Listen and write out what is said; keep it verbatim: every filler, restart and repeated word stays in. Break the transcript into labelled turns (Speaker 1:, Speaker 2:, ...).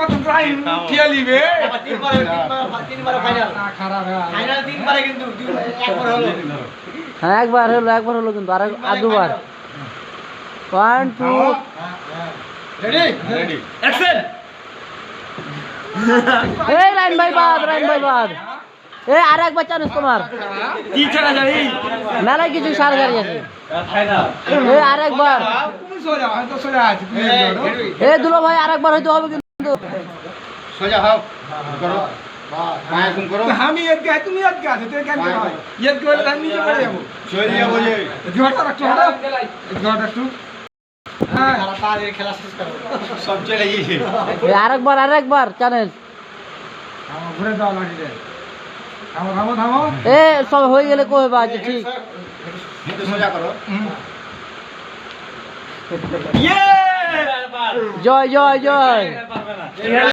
Speaker 1: কত টাইম খেলি বে
Speaker 2: তিনবার তিনবার তিনবার ফাইনাল
Speaker 1: খারাপ
Speaker 2: ফাইনাল তিনবারে কিন্তু একবার হলো
Speaker 3: হ্যাঁ একবার হলো একবার হলো কিন্তু আর আর দুবার one two
Speaker 2: ready ready action
Speaker 3: এই রাইন ভাই বাদ রাইন ভাই বাদ এই আর একবার চান্স তোমার
Speaker 2: কি চলা যাবে
Speaker 3: মেলায় কিছু সার গাড়ি আছে
Speaker 2: ফাইনাল
Speaker 3: এই আর একবার
Speaker 1: তুমি সোজা হয়তো সোজা আছে তুমি
Speaker 3: এই দুলো ভাই আর একবার হয়তো হবে কিন্তু
Speaker 2: সোজা হও করো পায়ে ঘুম করো
Speaker 1: আমি এত গায় তুমি এত গায় তো কেন হয় এত গায় আমি নিচে পড়ে যাব
Speaker 2: চলে যাবো যে
Speaker 1: ঝড়টা রাখছো হঠাৎ ঝড়টা একটু হ্যাঁ
Speaker 2: সারা পা দিয়ে খেলা শেষ করো সব চলে গিয়েছে
Speaker 3: এই আর একবার আর একবার চ্যালেঞ্জ
Speaker 1: আমার ঘুরে দাও লাঠিতে থামো থামো থামো
Speaker 3: এ সব হয়ে গেলে কই বা আচ্ছা ঠিক
Speaker 2: একটু সোজা করো
Speaker 1: ইয়ে
Speaker 3: জয় জয় জয়